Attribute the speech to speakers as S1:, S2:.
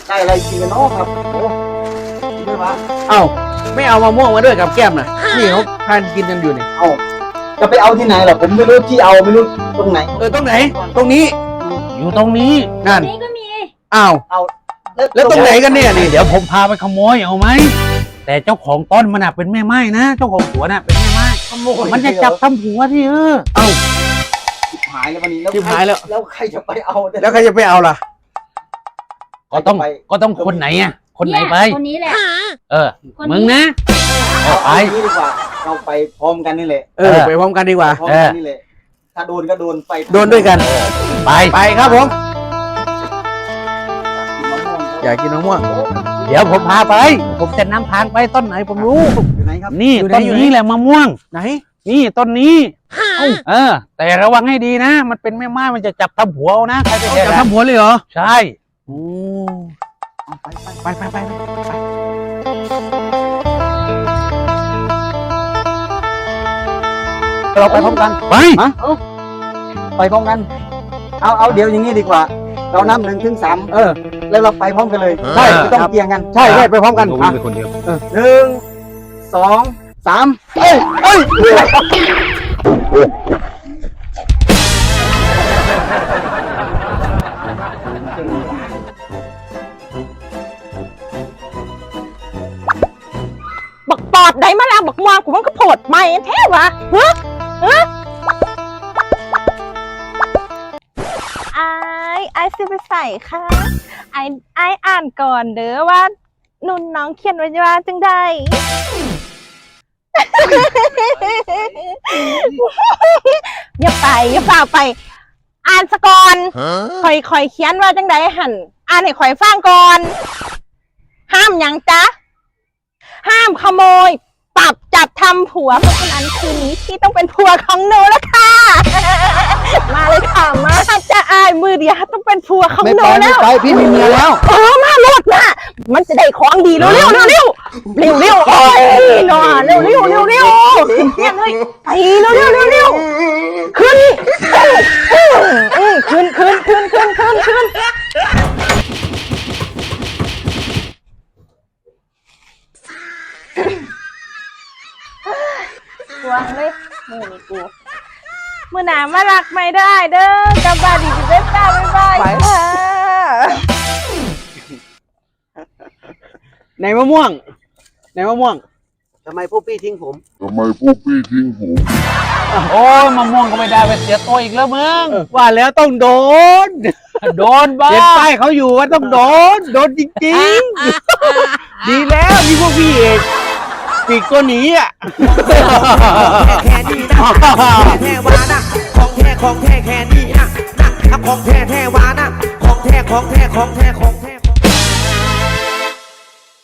S1: ได้อะไรกินกันเนาะครับโอ้ไม่ว่า
S2: เอ้าไม่เอามะม่วงมาด้วยกับแก้มนะนี่เขาทานกินกันอยู่นี่
S1: เอ้าจะไปเอาที่ไหนล่ะผมไม่รู้ที่เอาไม่รู้ตรงไหน
S2: ตรงไหนตรงนี้
S3: อยู่ตรงนี้
S2: นั่น
S4: นี่ก็มี
S2: อ้าว
S1: เอา
S2: แล้วตรงไหนกันเนี่ยนี่
S3: เดี๋ยวผมพาไปขโมยเอาไหมแต่เจ้าของต้นมันน่ะเป็นแม่ไม้นะเจ้าของสวนน่ะเป็นแม่ไม้
S1: ขโมย
S3: มันจะจับทำหัวที่
S2: เอ้า
S1: ชิบหายแล้ววันนี้
S2: ชิบหายแล้ว
S1: แล้วใครจะไปเอา
S2: แล้วใครจะไปเอาล่ะ
S3: ก็ต้องคนไหนอ่ะคนไหนไป
S4: คนนี้แหละ
S3: เออ
S4: คนนี้
S3: มึงนะ
S1: เอา
S3: ไป
S1: งี้ดีกว่าเราไปพร้อมกันนี่แหละ
S2: ไปพร้อมกันดีกว่า
S1: พร้อมกันนี่แหละถ้าโดนก็โดนไป
S2: โดนด้วยกัน
S3: ไป
S2: ไปครับผม อยากกินมะม่วง
S3: เดี๋ยวผมพาไป ผมจะนำทางไปต้นไหนผมรู้
S1: อยู่ไหนครับ
S3: นี่
S2: อยู่ไหน
S3: ต้น
S2: อยู่ไหน
S3: นี้แหละมะม่วง
S2: ไหน
S3: นี่ต้นนี้เออ แต่ระวังให้ดีนะ มันเป็นแม่ไม้มันจะจับทำหัวเอานะใครไป
S2: เอา
S3: แท
S2: จับ
S3: น
S2: ทำหัวเลยเหรอ
S3: ใช่
S2: โอ้
S1: ไป
S2: ไป
S3: เราไปพร้อมกันไป
S1: ไปพร้อมกันเอาเดี๋ยวอย่างนี้ดีกว่า เรานับ1 ถึง 3แล้วเราไปพร้อมกันเลย
S2: ใช่
S1: ไม่ต้องเกี่ยงกัน
S2: ใช่ไปพร้อมกัน
S3: ผมเป็นคนเดียว
S1: 1 2 3เอ้ย
S5: บักปอดได้มาแล้วบักมวงกูมันก็โผดใหม่แท้วะไอซื้อไปใส่ค่ะไออ่านก่อนเด้อว่านุ่นน้องเขียนไว้ว่าจังใด อย่าเปล่าไป อ่านสะก่อนคอยเขียนว่าจังใดหันอ่านให้คอยฟังก่อน ห้ามหยังจ๊ะ ห้ามขโมยปรับจับทำผัวเพราะฉะนั้นคืนนี้ที่ต้องเป็นผัวของหนูแล้วค่ะ มาเลยค่ะมาจะอายมือเดียวต้องเป็นผัวของ
S2: ไม่
S5: หนู
S2: ไปไม่
S5: แล้ว
S2: ไปพี่มีเมียแล้ว
S5: มาโลดนะมันจะได้ของดีเร็วโอ้ยหน่อเร็วขึ้นเพี้ยนเลยไปเร็วขึ้นวางเลยมือนี่กูมือหนามารักไม่ได้เด้อกลับบ้านดีๆเด้อจ้าบ๊ายบายค่ะ
S2: ไหนมะม่วง
S1: ทำไมพวกพี่ทิ้งผม
S3: โอ้ยมะม่วงก็ไม่ได้ไปเสียตัวอีกแล้วมึง
S2: ว่าแล้วต้องโดน
S3: โดนบ้า
S2: เห็นป้ายเขาอยู่ว่าต้องโดนจริงๆ ดีแล้วมีพวกพี่เอกปีกตัวหนีอ่ะ
S6: แค่นี้นะแท้วานะของแท้แค่นี้นะของแท้วานะของแท้